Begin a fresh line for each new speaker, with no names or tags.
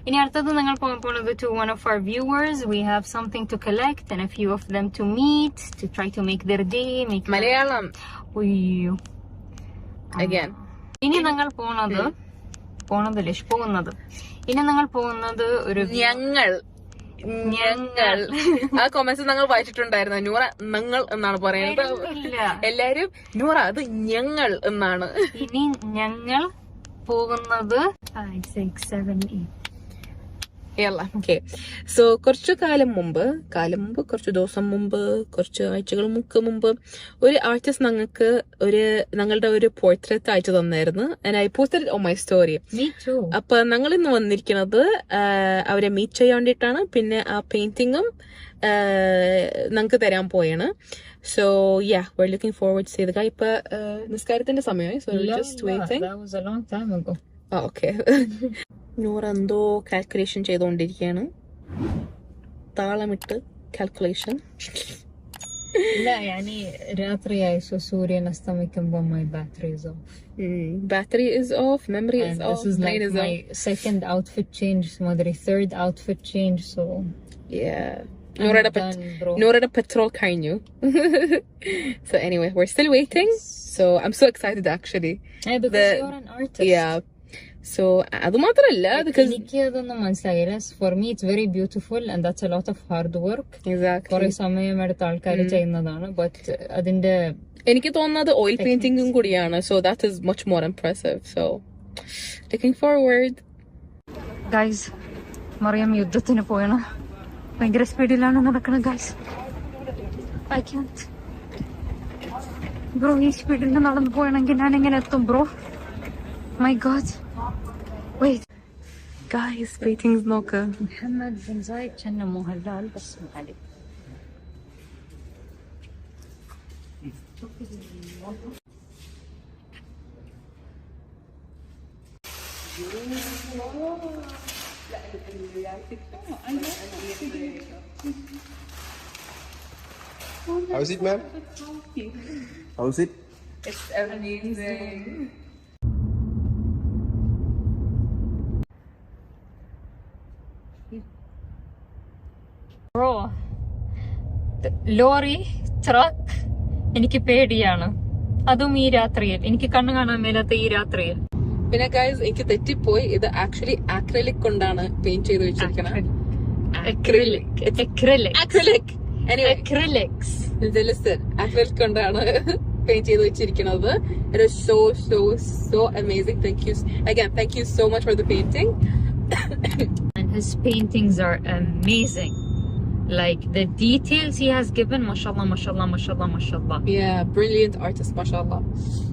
ഇനി അടുത്തത് നിങ്ങൾ പോകുന്നത് to one of our viewers. We have something to collect and a few of them to meet to try to make their day.
Malayalam
ഉയ്യോ.
again.
ഇനി ഞങ്ങൾ പോകുന്നത് ഇനി ഞങ്ങൾ പോകുന്നത് ഒരു
ഞങ്ങൾ ആ കൊമന്റ്സ് ഞങ്ങൾ വായിച്ചിട്ടുണ്ടായിരുന്നു. നൂറ ഞങ്ങൾ എന്നാണ് പറയുന്നത്. എല്ലാരും നൂറ അത് ഞങ്ങൾ എന്നാണ്.
ഇനി ഞങ്ങൾ പോകുന്നത് 5, 6, 7, 8.
ഓക്കെ. സോ കുറച്ചു കുറച്ചു ദിവസം മുമ്പ്, കുറച്ച് ആഴ്ചകൾ മുമ്പ് ഒരു ആർട്ടിസ്റ്റ് ഞങ്ങളുടെ ഒരു പോർട്രേറ്റ് അയച്ചു തന്നായിരുന്നു. And I posted on my story. അപ്പൊ ഞങ്ങൾ ഇന്ന് വന്നിരിക്കുന്നത് അവരെ മീറ്റ് ചെയ്യാൻ വേണ്ടിയിട്ടാണ്. പിന്നെ ആ പെയിന്റിങ്ങും ഞങ്ങൾക്ക് തരാൻ പോയാണ്. So yeah, we're looking forward to see the guy. ഇപ്പൊ നിസ്കാരത്തിന്റെ സമയമായി. So just waiting.
That was a long time ago.
Okay. നൂറ് എന്തോ കാൽക്കുലേഷൻ ചെയ്തുകൊണ്ടിരിക്കുകയാണ്. താളമിട്ട് കാൽക്കുലേഷൻ.
രാത്രിയായി. സോ സൂര്യൻ അസ്തമിക്കുമ്പോൾ my battery is off.
Battery is off, memory is off.
This is like my second outfit change, Madri, third outfit change. So
yeah, Noorada petrol കഴിഞ്ഞു. So anyway, we're still waiting. So I'm so excited actually.
Hey, because you're an artist.
Yeah. So അത് മാത്രല്ല,
എനിക്ക് അതൊന്നും മനസ്സിലായില്ല. For me it's very beautiful and that's a lot of hard work.
Exactly.
കുറെ സമയമെടുത്ത് ആൾക്കാർ ചെയ്യുന്നതാണ്. ബട്ട് അതിന്റെ
എനിക്ക് തോന്നുന്നത് ഓയിൽ പെയിന്റിംഗും കൂടിയാണ്. So that is much more impressive. So looking forward.
Guys, Mariyam യുദ്ധത്തിന് പോയാണ്. ഭയങ്കര സ്പീഡിലാണ് നടക്കുന്നത് ഗൈസ്. I can't. ബ്രോ, ഈ സ്പീഡിൽ നടന്നു പോയാണെങ്കിൽ ഞാൻ എങ്ങനെ എത്തും bro? My God. Wait.
Guys, paintings നോക്ക്.
محمد بن زايد كان مهلال بس علي.
How's it, ma'am? How's it?
It's amazing.
Bro, lorry, truck എനിക്ക് പേടിയാണ്. അതും ഈ രാത്രിയിൽ. എനിക്ക് കണ്ണു കാണാൻ മേലാത്ത ഈ രാത്രിയിൽ.
പിന്നെ ഗൈസ്, എനിക്ക് തെറ്റിപ്പോയി. ഇത് ആക്ച്വലി ആക്രിലിക് കൊണ്ടാണ് പെയിന്റ് ചെയ്ത് വെച്ചിരിക്കുന്നത്. ആക്രിലിക് കൊണ്ടാണ് പെയിന്റ് ചെയ്ത് വെച്ചിരിക്കുന്നത്. It is so amazing. Thank you so much for the painting.
And his paintings are amazing. Like the details he has given, mashallah.
Yeah, brilliant artist, mashallah.